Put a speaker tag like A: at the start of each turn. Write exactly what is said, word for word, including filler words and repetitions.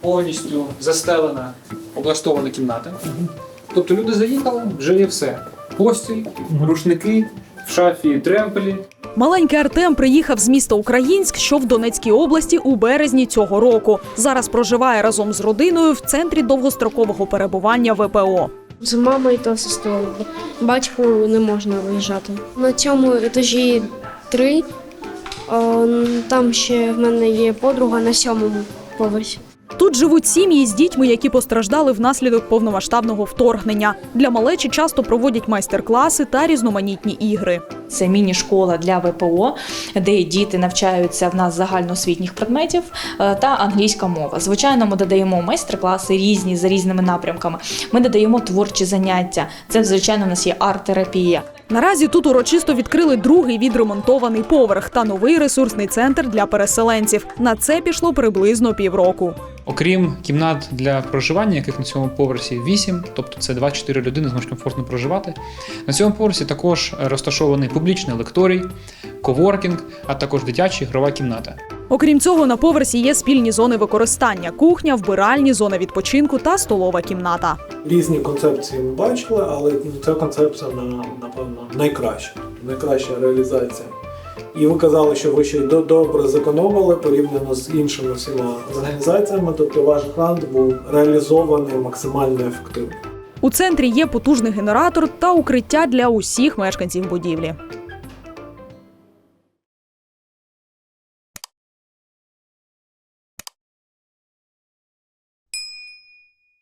A: повністю застелена, облаштована кімната. Тобто люди заїхали, вже є все. Постіль, рушники, в шафі тремпелі.
B: Маленький Артем приїхав з міста Українськ, що в Донецькій області, у березні цього року. Зараз проживає разом з родиною в центрі довгострокового перебування В П О.
C: З мамою та сестрою. Батьку не можна виїжджати. На цьому етажі три. Там ще в мене є подруга на сьомому поверсі.
B: Тут живуть сім'ї з дітьми, які постраждали внаслідок повномасштабного вторгнення. Для малечі часто проводять майстер-класи та різноманітні ігри.
D: Це міні-школа для В П О, де діти навчаються в нас загальноосвітніх предметів та англійська мова. Звичайно, ми додаємо майстер-класи різні, за різними напрямками. Ми додаємо творчі заняття. Це, звичайно, у нас є арт-терапія.
B: Наразі тут урочисто відкрили другий відремонтований поверх та новий ресурсний центр для переселенців. На це пішло приблизно півроку.
A: Окрім кімнат для проживання, яких на цьому поверсі вісім, тобто це двадцять чотири людини зможуть комфортно проживати. На цьому поверсі також розташований публічний лекторій, коворкінг, а також дитяча ігрова кімната.
B: Окрім цього, на поверсі є спільні зони використання – кухня, вбиральні, зона відпочинку та столова кімната.
E: Різні концепції ми бачили, але ця концепція, напевно, найкраща, найкраща реалізація. І ви казали, що ви ще й добре зекономили порівняно з іншими всіма організаціями, тобто ваш грант був реалізований максимально ефективно.
B: У центрі є потужний генератор та укриття для усіх мешканців будівлі.